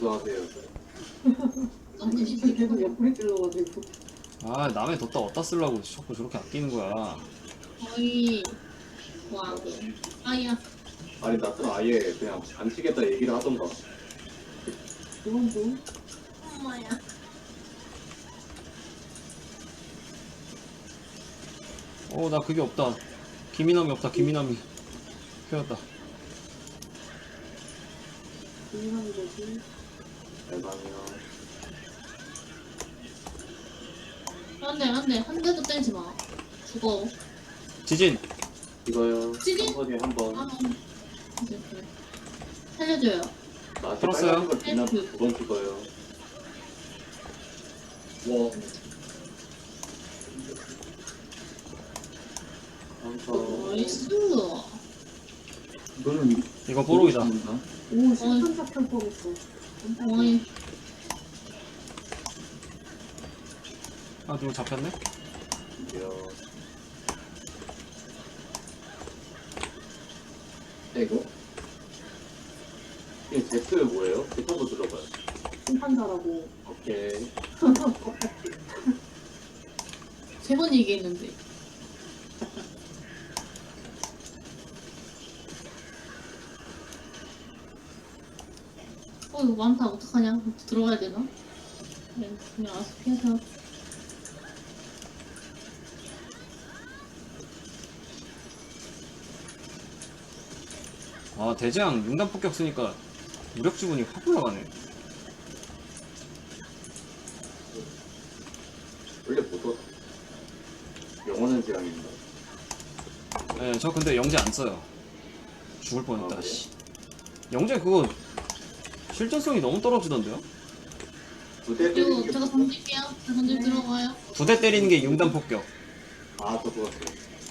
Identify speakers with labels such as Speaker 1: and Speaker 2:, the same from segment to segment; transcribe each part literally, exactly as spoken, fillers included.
Speaker 1: 수고하세요.
Speaker 2: 진짜 계속 옆구리 찔러가지고.
Speaker 3: 아 남의 뒀다 어디다 쓰려고 자꾸 저렇게 아끼는 거야.
Speaker 4: 거의 와 아야
Speaker 1: 아니 나처럼 아예 그냥 안 치겠다 얘기를 하던가.
Speaker 2: 그건 좀.
Speaker 4: 엄마야.
Speaker 3: 어 나 그게 없다. 김이남이 없다. 김이남이 펴였다.
Speaker 2: 중요한 거지.
Speaker 1: 대박이요.
Speaker 4: 안돼 안돼 한 대도 때리지 마. 죽어.
Speaker 3: 지진.
Speaker 1: 이거요.
Speaker 4: 찌릿?
Speaker 1: 한 번에 한 번.
Speaker 4: 아 그래 그래. 살려줘요.
Speaker 1: 나
Speaker 3: 풀었어요?
Speaker 1: 빨간 걸 빛나 두번 찍어요. 와. 한번.
Speaker 4: 나이스.
Speaker 5: 이거는
Speaker 3: 이거 뽀록이다.
Speaker 2: 오, 실탄 잡힐 뻔했어.
Speaker 4: 어이
Speaker 3: 아 누구 잡혔네?
Speaker 1: 이요.
Speaker 5: 이거
Speaker 1: 이 제트 뭐예요? 제트 한번 들어봐요.
Speaker 2: 심판자라고.
Speaker 1: 오케이.
Speaker 4: 세 번 얘기했는데. 어 이거 많다 어떡하냐? 들어가야 되나? 그냥 그냥 알아서 피해서.
Speaker 3: 아 대장 융단 폭격 쓰니까 무력 지분이 확 올라가네.
Speaker 1: 원래 보통 영원한 재앙인가?
Speaker 3: 예, 저 근데 영재 안 써요. 죽을 뻔했다.
Speaker 1: 아,
Speaker 3: 씨. 영재 그거 실전성이 너무 떨어지던데요?
Speaker 1: 두대 때리는
Speaker 4: 그리고
Speaker 1: 게
Speaker 4: 제가 던질게요. 제가 던질 들어가요.
Speaker 3: 두 대 때리는 게 융단 폭격.
Speaker 1: 아, 저 그거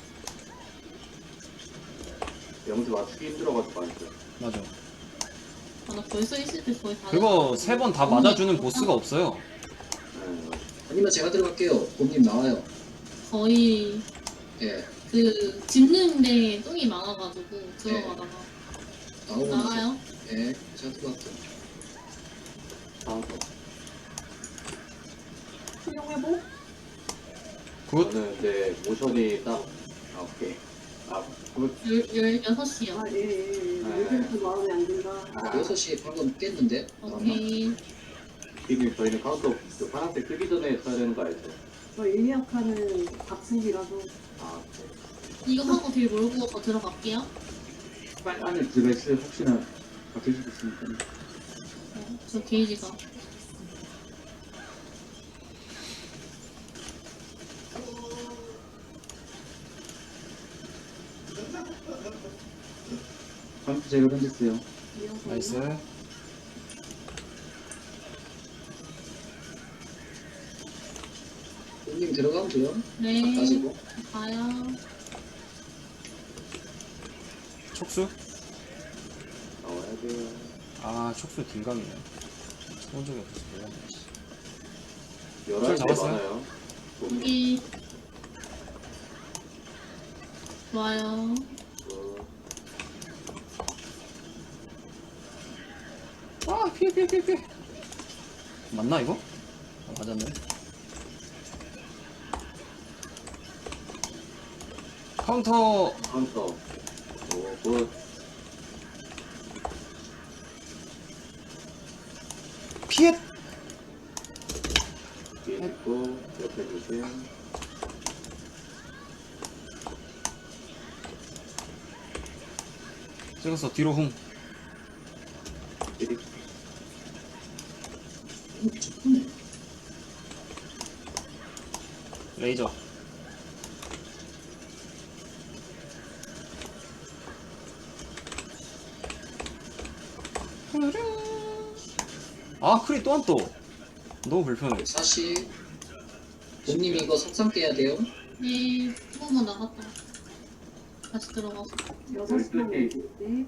Speaker 1: 영수 맞추기 힘들어가지고 안 써요.
Speaker 3: 맞아.
Speaker 4: 아, 나 벌써 있을 때 거의 다.
Speaker 3: 그거 세 번 다 맞아주는 보스가 없어요.
Speaker 1: 네, 맞아요.
Speaker 5: 아니면 제가 들어갈게요. 곰님 나와요.
Speaker 4: 거의
Speaker 5: 예,
Speaker 4: 그 짚는데 똥이 많아가지고 들어가다가
Speaker 5: 나오고
Speaker 4: 나가요.
Speaker 5: 예, 제가 들어갈게요.
Speaker 1: 다음 거.
Speaker 2: 수용해보?
Speaker 3: 굿.
Speaker 1: 저는 이제 모션이 딱, 아, 오케이. 아, 굿.
Speaker 4: 열여섯 시요.
Speaker 2: 아, 예, 예, 예.
Speaker 1: 네.
Speaker 2: 요즘 마음에 안 든다.
Speaker 1: 아,
Speaker 5: 여섯 시 방금 깼는데? 나왔나?
Speaker 4: 오케이.
Speaker 1: 지금 저희는 카운터 그 파란색 뜨기 전에 써야 되는 거 알죠?
Speaker 2: 저 일리아카는 박승기라서.
Speaker 1: 아, 오케이.
Speaker 4: 이거 하고 딜 몰고 더 들어갈게요.
Speaker 5: 빨리 안에 들어있어요. 혹시나 바뀔 수도 있으니까.
Speaker 4: 어, 저 게이지가.
Speaker 5: 방금 제가 던졌어요.
Speaker 2: 이어서.
Speaker 3: 나이스.
Speaker 5: 곰님 들어가면 돼요.
Speaker 4: 네.
Speaker 5: 가지고.
Speaker 4: 가요.
Speaker 3: 촉수?
Speaker 1: 나와야 돼요.
Speaker 3: 아 촉수 딜감이네. 해본 적이 없어서 몰랐네. 씨.
Speaker 1: 열한 대
Speaker 3: 잡았어요?
Speaker 1: 많아요.
Speaker 4: 여기. 좋아요.
Speaker 1: 그,
Speaker 3: 아 피해 피해 피해 피해. 맞나 이거? 아, 맞았네. 카운터.
Speaker 1: 카운터. 오, 굿.
Speaker 3: 피해.
Speaker 1: 뒤에 있고, 옆에 주세요.
Speaker 3: 찍었어. 뒤로 훔.
Speaker 1: 찌릿.
Speaker 5: 좋네.
Speaker 3: 레이저. 아 크리 또 한 또. 너무 불편해.
Speaker 5: 사시. 곰님 이거 석상 깨야 돼요.
Speaker 4: 네. 조금만 나갔다. 다시 들어가서.
Speaker 2: 여섯 시만
Speaker 1: 네.
Speaker 2: 있는데.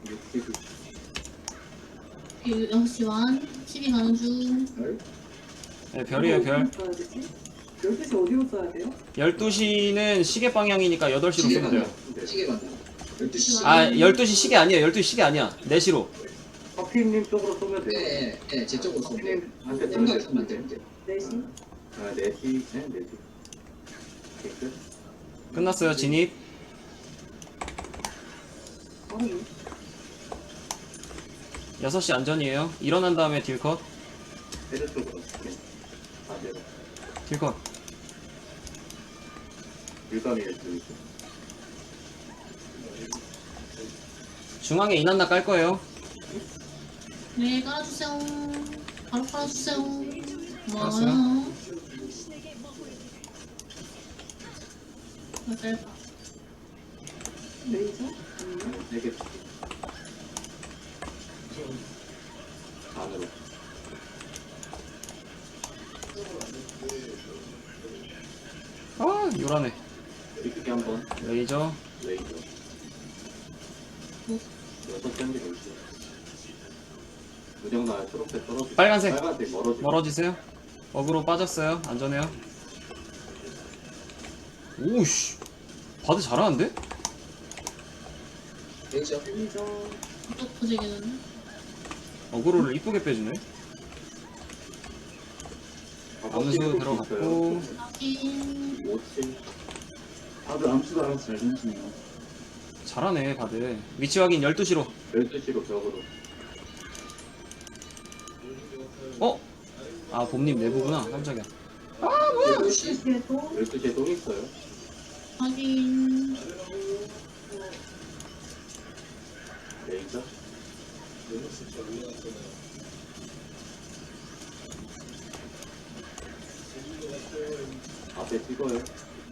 Speaker 1: 이렇게
Speaker 4: 여섯 시 완. 십이 가는 중.
Speaker 5: 별.
Speaker 3: 네, 별이에요 별.
Speaker 2: 열두 시 어디로 써야 돼요?
Speaker 3: 열두 시는 시계 방향이니까 여덟 시로
Speaker 5: 시계
Speaker 3: 쓰면 돼요.
Speaker 5: 방향. 시계 방향. 열두 시.
Speaker 3: 아 열두 시 시계 아니에요. 열두 시 시계 아니야. 네 시로.
Speaker 1: 커피 아피님 쪽으로 쏘면 돼요.
Speaker 6: 네, 네, 제 쪽으로 쏘면 돼요.
Speaker 1: 아피님한테 쏘면
Speaker 6: 생각이
Speaker 1: 돼요.
Speaker 6: 쏘면 안 돼요.
Speaker 2: 넷이?
Speaker 1: 아, 네시, 네, 네시. 오케이, 끝.
Speaker 3: 끝났어요. 진입.
Speaker 2: 빠르네.
Speaker 3: 여섯 시 안전이에요. 일어난 다음에 딜컷.
Speaker 1: 헤드 쪽으로. 네. 반대로.
Speaker 3: 딜컷.
Speaker 1: 일감이에요, 지금.
Speaker 3: 중앙에 이난나 깔 거예요.
Speaker 4: 네, 깔아주세요. 바로 깔아주세요.
Speaker 3: 깔았어요?
Speaker 4: 고마워요. 나 짧아.
Speaker 2: 레이저? 아니요.
Speaker 1: 네 개. 안으로.
Speaker 3: 아, 요란해.
Speaker 1: 이렇게 한 번.
Speaker 3: 레이저.
Speaker 1: 레이저.
Speaker 4: 뭐?
Speaker 1: 여섯 장기 레이저. 무정 나요. 초록색 떨어지.
Speaker 3: 빨간색.
Speaker 1: 빨간색 멀어지.
Speaker 3: 멀어지세요. 어그로 빠졌어요. 안전해요. 오우씨. 바드 잘하는데?
Speaker 6: 레이저.
Speaker 2: 레이저.
Speaker 4: 또 터지겠는데?
Speaker 3: 어그로를 이쁘게 빼주네. 암수 들어갔고.
Speaker 4: 확인.
Speaker 1: 오칠.
Speaker 5: 다들 암수도 알아서 잘 던지네요.
Speaker 3: 잘하네, 바드. 위치 확인 열두 시로.
Speaker 1: 열두 시로 벽으로.
Speaker 3: 어? 아, 봄님 내부구나. 깜짝이야.
Speaker 6: 열두 시.
Speaker 2: 열두 시에 또
Speaker 1: 열두 시에 똥 있어요.
Speaker 4: 확인.
Speaker 1: 레이저. 앞에 찍어요.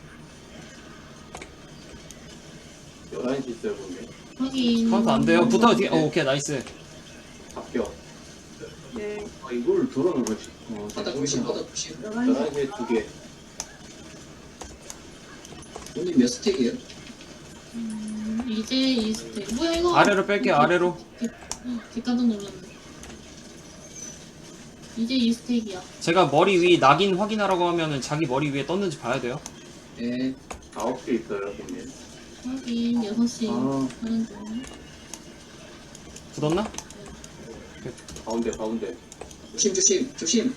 Speaker 1: 열한 시 있어요, 보면.
Speaker 4: 확인.
Speaker 3: 카운트 안 돼요. 붙어, 뒤에. 어, 오케이, 나이스.
Speaker 1: 합격.
Speaker 2: 네.
Speaker 5: 아, 이걸 돌아가 가지. 어,
Speaker 6: 바닥 조심, 바닥 조심.
Speaker 2: 열한 시.
Speaker 1: 열한 시에 두 개.
Speaker 6: 오늘 몇 스택이에요?
Speaker 4: 음, 이제 이 스택. 뭐야, 이거?
Speaker 3: 아래로 뺄게요, 아래로.
Speaker 4: 뒷감독 놀랐네. 이제 이 스택이야.
Speaker 3: 제가 머리 위 낙인 확인하라고 하면은 자기 머리 위에 떴는지 봐야 돼요.
Speaker 6: 네.
Speaker 1: 아홉 개 있어요, 형님.
Speaker 4: 확인. 여섯 시.
Speaker 5: 아.
Speaker 4: 하는 중.
Speaker 3: 굳었나?
Speaker 1: 가운데, 가운데.
Speaker 6: 조심, 조심, 조심.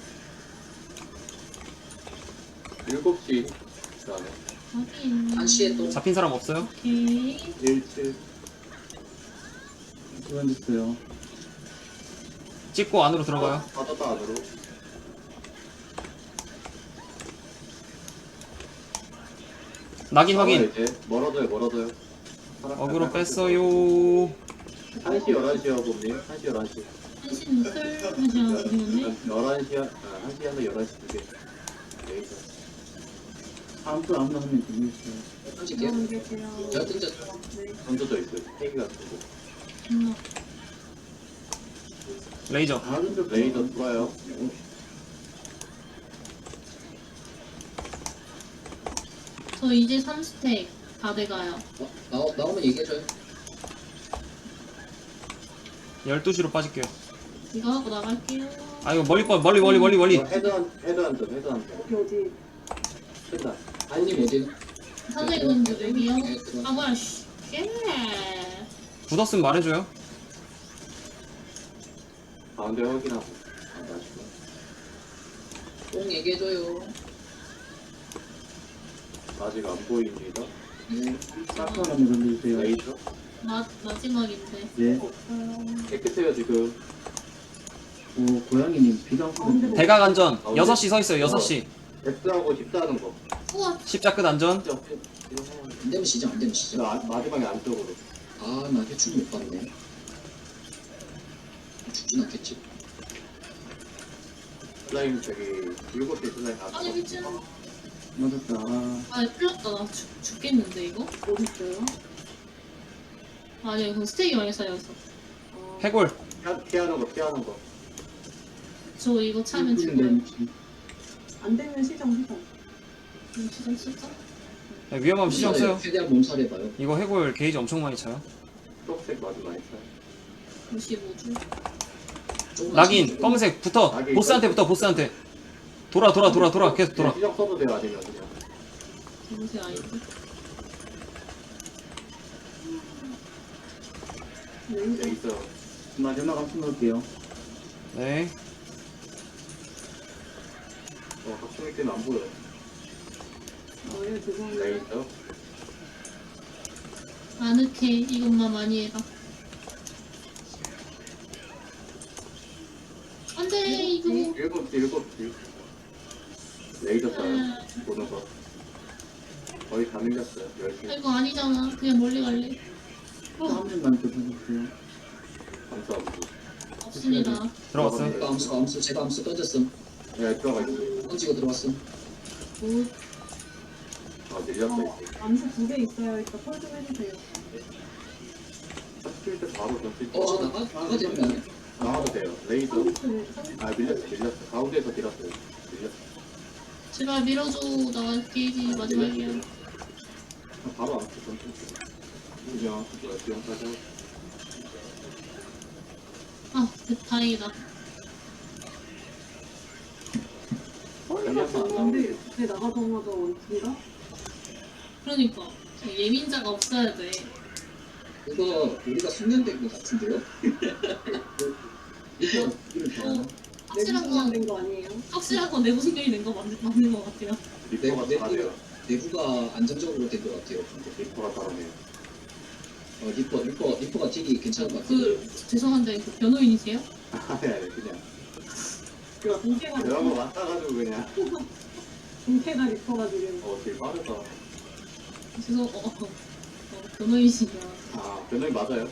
Speaker 1: 일곱 시. 그 다음에
Speaker 4: 확인.
Speaker 6: 한 시에 또.
Speaker 3: 잡힌 사람 없어요?
Speaker 4: 오케이.
Speaker 1: 일 칠.
Speaker 5: 그만됐어요.
Speaker 3: 찍고 안으로 들어가요.
Speaker 1: 빠졌다 안으로.
Speaker 3: 낙인
Speaker 1: 나와요,
Speaker 3: 확인.
Speaker 1: 이제. 멀어져요, 멀어져요.
Speaker 3: 어그로 뺐어요.
Speaker 1: 한 시, 열한 시요, 봄님. 한 시, 열한 시.
Speaker 4: 한시는 클. 한시야. 어디갔네?
Speaker 1: 열한 시, 한 시 하나, 열한 시 두 개. 레이저.
Speaker 5: 암수 아무나 하면 되겠어요.
Speaker 6: 던질게요.
Speaker 2: 열한 개세요.
Speaker 6: 제가 던졌죠.
Speaker 2: 네.
Speaker 1: 던져져 있어요. 세개 같은 거.
Speaker 4: 음,
Speaker 3: 레이저.
Speaker 5: 다 던졌어.
Speaker 1: 레이저 들어와요.
Speaker 4: 저 이제 삼 스택 다 돼가요.
Speaker 6: 어, 나오, 나오면 얘기해줘요.
Speaker 3: 열두 시로 빠질게요.
Speaker 4: 이거 하고 나갈게요.
Speaker 3: 아, 이거 멀리, 빠- 멀리, 멀리, 멀리, 멀리.
Speaker 1: 헤드한, 헤드한 점, 헤드한 점.
Speaker 2: 어디 어디?
Speaker 1: 헤드한.
Speaker 6: 아님 어디?
Speaker 4: 선생님 먼저 여기요.
Speaker 6: 네, 들어와.
Speaker 4: 아 뭐야 씨. 예.
Speaker 3: 굳었으면 말해줘요.
Speaker 1: 가운데 확인하고. 아, 맛있어.
Speaker 6: 꼭 얘기해줘요.
Speaker 1: 아직 안 보입니다.
Speaker 6: 네.
Speaker 5: 사프 한번 던져주세요.
Speaker 1: 레이저.
Speaker 4: 마 마지막인데.
Speaker 5: 네.
Speaker 2: 없어요.
Speaker 1: 깨끗해요, 지금.
Speaker 5: 오, 고양이님 비강
Speaker 2: 가운데
Speaker 5: 쏘
Speaker 3: 대각 안전. 여섯 시 서 있어요, 여섯 시.
Speaker 1: X하고 십자 하는 거.
Speaker 4: 우와.
Speaker 3: 십자 끝 안전.
Speaker 1: 진짜 없지? 이거 해야 돼.
Speaker 6: 안 되면 시작, 안 되면 시작.
Speaker 1: 저 아- 마지막에 안쪽으로.
Speaker 6: 아, 나 대충 못 봤네. 죽진 않겠지.
Speaker 1: 슬라임 저기 일곱 개 슬라임 다
Speaker 4: 아니 미친.
Speaker 5: 맞았다. 아,
Speaker 4: 아 풀렸다. 나 죽, 죽겠는데 이거?
Speaker 2: 어디 있어요?
Speaker 4: 아니 이거 스테이크 많이 쌓여서.
Speaker 2: 어,
Speaker 3: 해골.
Speaker 1: 피하- 피하는 거, 피하는 거.
Speaker 4: 저 이거 차면 죽어요.
Speaker 5: 렌치.
Speaker 2: 안 되면 시정 시정.
Speaker 4: 음, 진짜 진짜?
Speaker 3: 네, 위험하면 시정 써요.
Speaker 6: 최대한 몸살해봐요.
Speaker 3: 이거 해골 게이지 엄청 많이 차요.
Speaker 1: 초록색 마주 많이 써요.
Speaker 4: 구십오 줄.
Speaker 6: 조금만
Speaker 3: 낙인,
Speaker 6: 시작.
Speaker 3: 검은색 붙어.
Speaker 1: 낙인.
Speaker 3: 보스한테 붙어, 보스한테. 돌아, 돌아, 돌아, 돌아. 계속 돌아.
Speaker 1: 그냥 시정 써도 돼요, 아니면 그냥.
Speaker 4: 검은색 아이디.
Speaker 1: 네,
Speaker 2: 레이저.
Speaker 1: 있어요.
Speaker 5: 마지막 함수 넣을게요.
Speaker 3: 네.
Speaker 1: 어, 학생이 때문에 안 보여.
Speaker 2: 어, 예, 죄송합니다.
Speaker 1: 레이저.
Speaker 4: 아늑해. 이것만 많이 해라. 안돼 이거.
Speaker 1: 일곱 시, 일곱 시. 레이저 써요.
Speaker 4: 아,
Speaker 1: 보는 거. 거의 다 밀렸어요. 열심히.
Speaker 4: 이거 아니잖아. 그냥 멀리 갈래.
Speaker 5: 한 명만 더 해주세요.
Speaker 1: 감사합니다.
Speaker 4: 없습니다.
Speaker 3: 들어갔음.
Speaker 6: 제가 암수 암수 제가 암수 던졌음.
Speaker 1: 네, 들어가 있어요.
Speaker 6: 던지고 들어왔음.
Speaker 4: 굿.
Speaker 1: 아, 밀렸어,
Speaker 2: 어,
Speaker 1: 이제.
Speaker 2: 암수 두 개 있어요. 이따 콜 좀 해주세요.
Speaker 1: 칠 때 바로 던질 때.
Speaker 6: 어, 저 나가 나가 되면
Speaker 1: 나와도 돼요. 레이저.
Speaker 2: 삼십, 삼십.
Speaker 1: 아, 밀렸어, 밀렸어. 가운데에서 밀었어요. 밀렸어.
Speaker 4: 제발 밀어줘. 나 게이지 마지막이야.
Speaker 1: 아, 바로 안 쳐, 던질게요. 그냥, 뭐야, 지원까지 하고.
Speaker 4: 아, 그, 다행이다.
Speaker 1: 걸려서 안 나오는데.
Speaker 2: 근데 제 나가자마자 원투인가?
Speaker 4: 그러니까 예민자가 없어야 돼.
Speaker 6: 이거 우리가 숙련된 것 같은데요?
Speaker 5: 이거 이거
Speaker 4: 어,
Speaker 5: 잘.
Speaker 4: 확실한
Speaker 2: 내부만
Speaker 4: 건
Speaker 2: 된거 아니에요?
Speaker 4: 확실한 건 내부 승격이 된 거 맞는 맞는 것 같아요.
Speaker 1: 리퍼가
Speaker 6: 내-
Speaker 1: 잘하네요.
Speaker 6: 내부가 안정적으로 된 것 같아요.
Speaker 1: 리퍼가 잘하네요.
Speaker 6: 어, 리퍼 리퍼 리퍼가 딜이 괜찮은 것 같아요.
Speaker 4: 그 죄송한데 그 변호인이세요?
Speaker 1: 아니, 아니, 그냥.
Speaker 2: 동태가
Speaker 1: 내가 뭐
Speaker 2: 리퍼,
Speaker 1: 맞다가지고 그냥.
Speaker 2: 동태가 리퍼가 지금.
Speaker 1: 어, 되게 빠르다.
Speaker 4: 죄송 어, 어, 어 변호인이시냐?
Speaker 1: 아, 변호이 맞아요?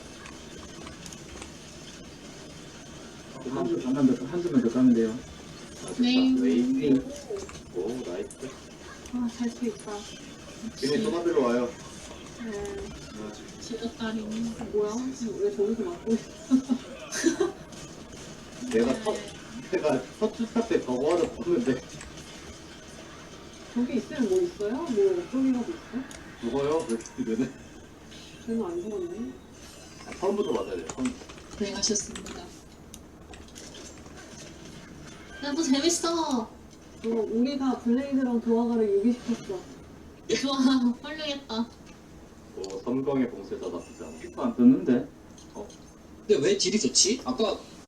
Speaker 5: 한수 한만 더 한수만 더 까면 돼요.
Speaker 1: 아, 좋다.
Speaker 4: 네.
Speaker 1: 레이지. 오, 나이스.
Speaker 2: 아, 잘 수 있다.
Speaker 1: 걔네 토마들로 와요.
Speaker 2: 네.
Speaker 4: 지렸다리.
Speaker 2: 뭐야? 왜 저기서 맞고 있어?
Speaker 1: 내가 첫, 내가 첫 주차 때 저거 하나 봤는데.
Speaker 2: 저기 있으면 뭐 있어요? 뭐 어쩌기라도 있어?
Speaker 1: 죽어요? 왜 죽이면은?
Speaker 2: 쟤는 안 죽었네.
Speaker 1: 아, 처음부터 맞아야 돼. 처음.
Speaker 4: 고생하셨습니다. 야너 재밌어.
Speaker 2: 어, 우리가 블레이드랑 도화가를 유기시켰어.
Speaker 4: 좋아 훌륭했다.
Speaker 1: 오, 섬광의 봉쇄자 나쁘지 않아.
Speaker 5: 이거 안 떴는데.
Speaker 6: 근데 왜 딜이 좋지? 아까